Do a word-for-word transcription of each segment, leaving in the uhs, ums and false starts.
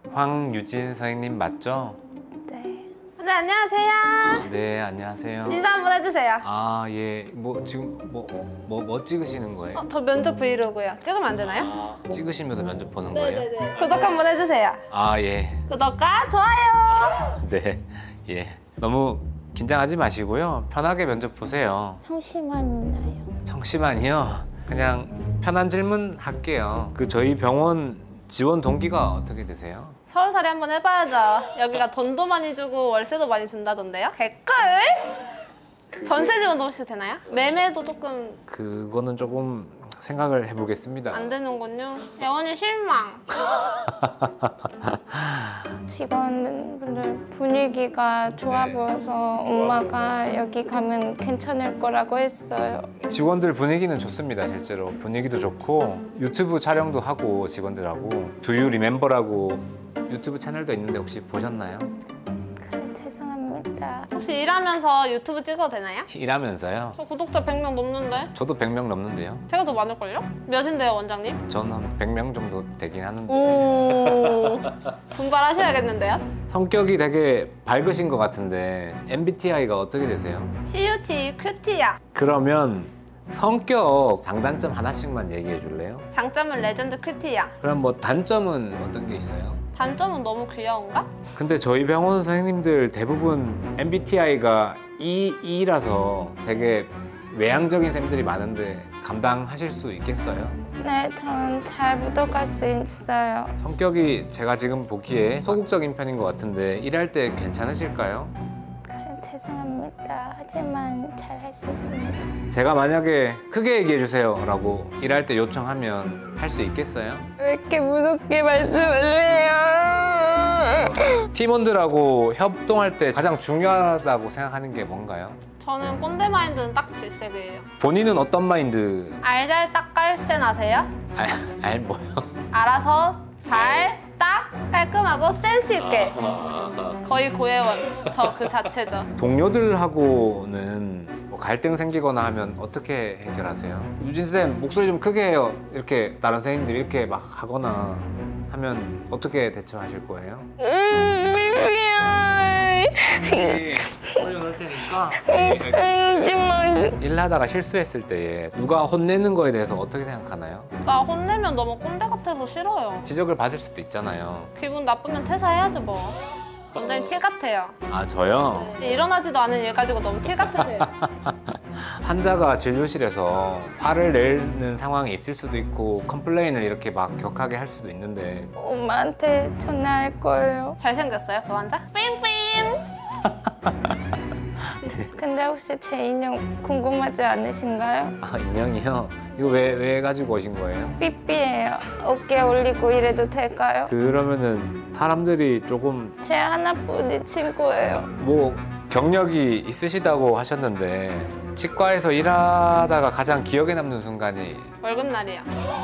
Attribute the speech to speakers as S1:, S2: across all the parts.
S1: 황유진 선생님 맞죠?
S2: 네. 네, 안녕하세요.
S1: 네, 안녕하세요.
S2: 인사 한번 해주세요.
S1: 아, 예. 뭐 지금 뭐 뭐 뭐 찍으시는 거예요?
S2: 어, 저 면접 브이로그요. 찍으면 안 되나요?
S1: 아, 찍으시면서 면접 보는 거예요?
S2: 구독 한번 해주세요.
S1: 아, 예.
S2: 구독과 좋아요.
S1: 네. 예. 너무 긴장하지 마시고요. 편하게 면접 보세요.
S3: 성심환 있나요?
S1: 청심환이요. 그냥 편한 질문 할게요. 그 저희 병원 지원 동기가 어떻게 되세요?
S2: 서울살이 한번 해봐야죠. 여기가 돈도 많이 주고 월세도 많이 준다던데요? 개꿀! 전세 지원도 혹시 되나요? 매매도 조금
S1: 그거는 조금 생각을 해보겠습니다.
S2: 안 되는군요. 영원히 실망.
S3: 직원분들 분위기가 좋아
S2: 네.
S3: 보여서 엄마가 여기 가면 괜찮을 거라고 했어요.
S1: 직원들 분위기는 좋습니다. 실제로 분위기도 좋고 유튜브 촬영도 하고 직원들하고 두유 리멤버라고 유튜브 채널도 있는데 혹시 보셨나요?
S3: 그래, 죄송합니다.
S2: 혹시 일하면서 유튜브 찍어도 되나요?
S1: 일하면서요.
S2: 저 구독자 백 명 넘는데?
S1: 저도 백 명 넘는데요.
S2: 제가 더 많을걸요? 몇인데요, 원장님?
S1: 저는 한 백 명 정도 되긴 하는데
S2: 오 분발하셔야겠는데요?
S1: 성격이 되게 밝으신 것 같은데 엠비티아이가 어떻게 되세요?
S2: 씨유티, 큐티야.
S1: 그러면 성격 장단점 하나씩만 얘기해 줄래요?
S2: 장점은 레전드 큐티야.
S1: 그럼 뭐 단점은 어떤 게 있어요?
S2: 단점은 너무 귀여운가?
S1: 근데 저희 병원 선생님들 대부분 엠비티아이가 E, E라서 되게 외향적인 쌤들이 많은데 감당하실 수 있겠어요?
S3: 네, 전 잘 묻어갈 수 있어요.
S1: 성격이 제가 지금 보기에 소극적인 편인 것 같은데 일할 때 괜찮으실까요?
S3: 그래, 죄송합니다. 하지만 잘 할 수 있습니다.
S1: 제가 만약에 크게 얘기해 주세요 라고 일할 때 요청하면 할 수 있겠어요?
S3: 왜 이렇게 무섭게 말씀을 해요?
S1: 팀원들하고 협동할 때 가장 중요하다고 생각하는 게 뭔가요?
S2: 저는 꼰대 마인드는 딱 질색이에요.
S1: 본인은 어떤 마인드?
S2: 알잘 딱깔센 아세요?
S1: 알, 알 뭐요?
S2: 알아서 잘, 딱, 깔끔하고 센스 있게. 거의 고해원. 저 그 자체죠.
S1: 동료들하고는 뭐 갈등 생기거나 하면 어떻게 해결하세요? 유진쌤 목소리 좀 크게 해요. 이렇게 다른 선생님들이 이렇게 막 하거나 하면 어떻게 대처하실 거예요? 올려놓을 테니까 일하다가 실수했을 때 누가 혼내는 거에 대해서 어떻게 생각하나요?
S2: 나 혼내면 너무 꼰대 같아서 싫어요.
S1: 지적을 받을 수도 있잖아요.
S2: 기분 나쁘면 퇴사해야지 뭐. 원장님 티 같아요.
S1: 아 저요?
S2: 일어나지도 않은 일 가지고 너무 티 같으세요.
S1: 환자가 진료실에서 화를 내는 상황이 있을 수도 있고 컴플레인을 이렇게 막 격하게 할 수도 있는데
S3: 엄마한테 전화할 거예요.
S2: 잘생겼어요 그 환자? 삥삥.
S3: 근데 혹시 제 인형 궁금하지 않으신가요?
S1: 아 인형이요? 이거 왜, 왜 가지고 오신 거예요?
S3: 삐삐예요. 어깨 올리고 이래도 될까요?
S1: 그러면은 사람들이 조금
S3: 제 하나뿐인 친구예요.
S1: 뭐 경력이 있으시다고 하셨는데 치과에서 일하다가 가장 기억에 남는 순간이
S2: 월급날이야.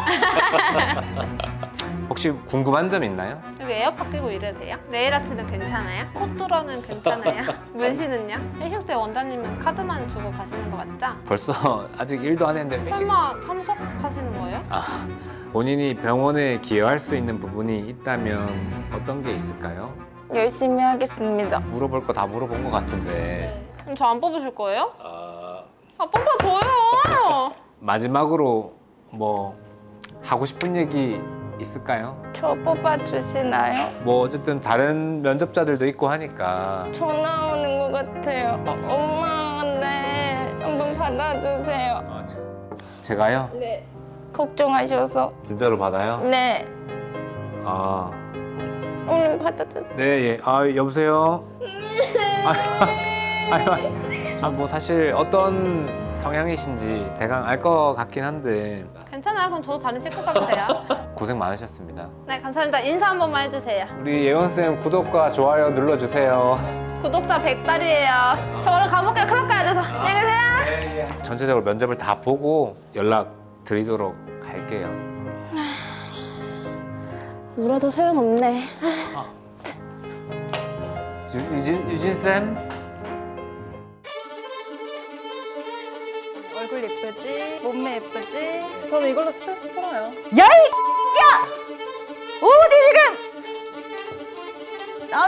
S1: 혹시 궁금한 점 있나요?
S2: 여기 에어팟 끼고 일해도 돼요? 네일 아트는 괜찮아요? 코뚜러는 괜찮아요? 문신은요? 회식 때 원장님은 카드만 주고 가시는 거 맞죠?
S1: 벌써 아직 일도 안 했는데 회식-
S2: 설마 참석하시는 거예요?
S1: 아, 본인이 병원에 기여할 수 있는 부분이 있다면 어떤 게 있을까요?
S3: 열심히 하겠습니다.
S1: 물어볼 거 다 물어본 것 같은데
S2: 그럼 저 안 뽑으실 거예요?
S1: 아,
S2: 아 뽑아줘요!
S1: 마지막으로 뭐 하고 싶은 얘기 있을까요?
S3: 저 뽑아주시나요?
S1: 뭐 어쨌든 다른 면접자들도 있고 하니까
S3: 전화 오는 것 같아요. 어, 엄마, 네. 한번 받아주세요.
S1: 어, 저- 제가요?
S3: 네. 걱정하셔서.
S1: 진짜로 받아요?
S3: 네.
S1: 아,
S3: 오늘 받아주세요.
S1: 네, 예. 아, 여보세요? 아, 아, 아, 뭐 사실 어떤 성향이신지 대강 알 것 같긴 한데
S2: 괜찮아요. 그럼 저도 다른 치과 가면 돼요.
S1: 고생 많으셨습니다.
S2: 네, 감사합니다. 인사 한 번만 해주세요.
S1: 우리 예원쌤 구독과 좋아요 눌러주세요.
S2: 구독자 백 달이에요. 저 얼른 가볼게요. 클럽 가야 돼서. 안녕히 계세요.
S1: 전체적으로 면접을 다 보고 연락 드리도록 할게요.
S3: 울어도 소용없네.
S1: 유, 유진, 유진쌤?
S2: 얼굴 예쁘지? 몸매 예쁘지? 저는 이걸로 스트레스 풀어요.
S4: 야이! 야! 어디 지금?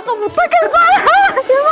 S2: 못하겠어요.